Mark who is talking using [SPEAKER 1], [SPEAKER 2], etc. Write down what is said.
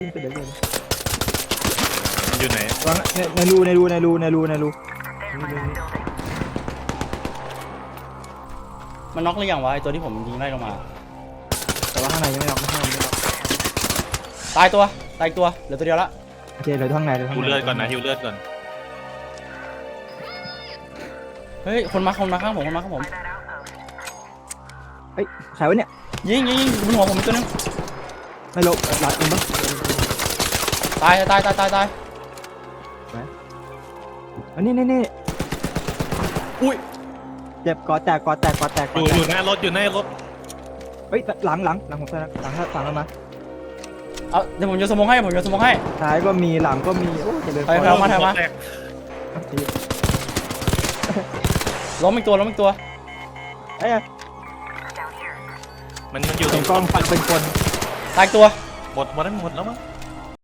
[SPEAKER 1] เดี๋ยว
[SPEAKER 2] อยู่ไหน
[SPEAKER 1] วางในรู
[SPEAKER 3] มันน็อกหรือยังวะไอตัวที่ผมยิงไล่ลงมา
[SPEAKER 1] แต่ว่าข้างในยังไม่ล็อกไม่ล็อก
[SPEAKER 3] ตายอีกตัวเหลือตัวเดียวละ
[SPEAKER 1] โอเคเหลือข้างในเหลือข้าง
[SPEAKER 2] ฮิว
[SPEAKER 1] ใน
[SPEAKER 2] เลือดก่อนนะฮิวเลือดก่อน
[SPEAKER 3] เฮ้ยคนมาข้างผม
[SPEAKER 1] เฮ้ยใครวะเนี่ย
[SPEAKER 3] ยิงบนหัวผมอีกตัวนึง
[SPEAKER 1] ไม่ลบหลังมั้ง
[SPEAKER 3] ตาย
[SPEAKER 1] อันนี้
[SPEAKER 3] อุ้ย
[SPEAKER 1] เจ็บกอแตก
[SPEAKER 2] อยู่หน้ารถอยู่หน้ารถ
[SPEAKER 1] เฮ้ยหลังผมใช่หลังเรามา
[SPEAKER 3] เอาเดี๋ยวผมโยนสมองให้
[SPEAKER 1] ซ้ายก็มีหลังก็มีโอ้จะเดิน
[SPEAKER 3] ไปเอามา
[SPEAKER 2] แตก
[SPEAKER 3] ล้มอีกตัว
[SPEAKER 1] เอ้ย
[SPEAKER 2] มันอยู่ตร
[SPEAKER 1] เป็น
[SPEAKER 2] ง
[SPEAKER 1] กล้องปัดเป็นคน
[SPEAKER 3] ตายอีกตัว
[SPEAKER 2] หมดแล้วมั้ง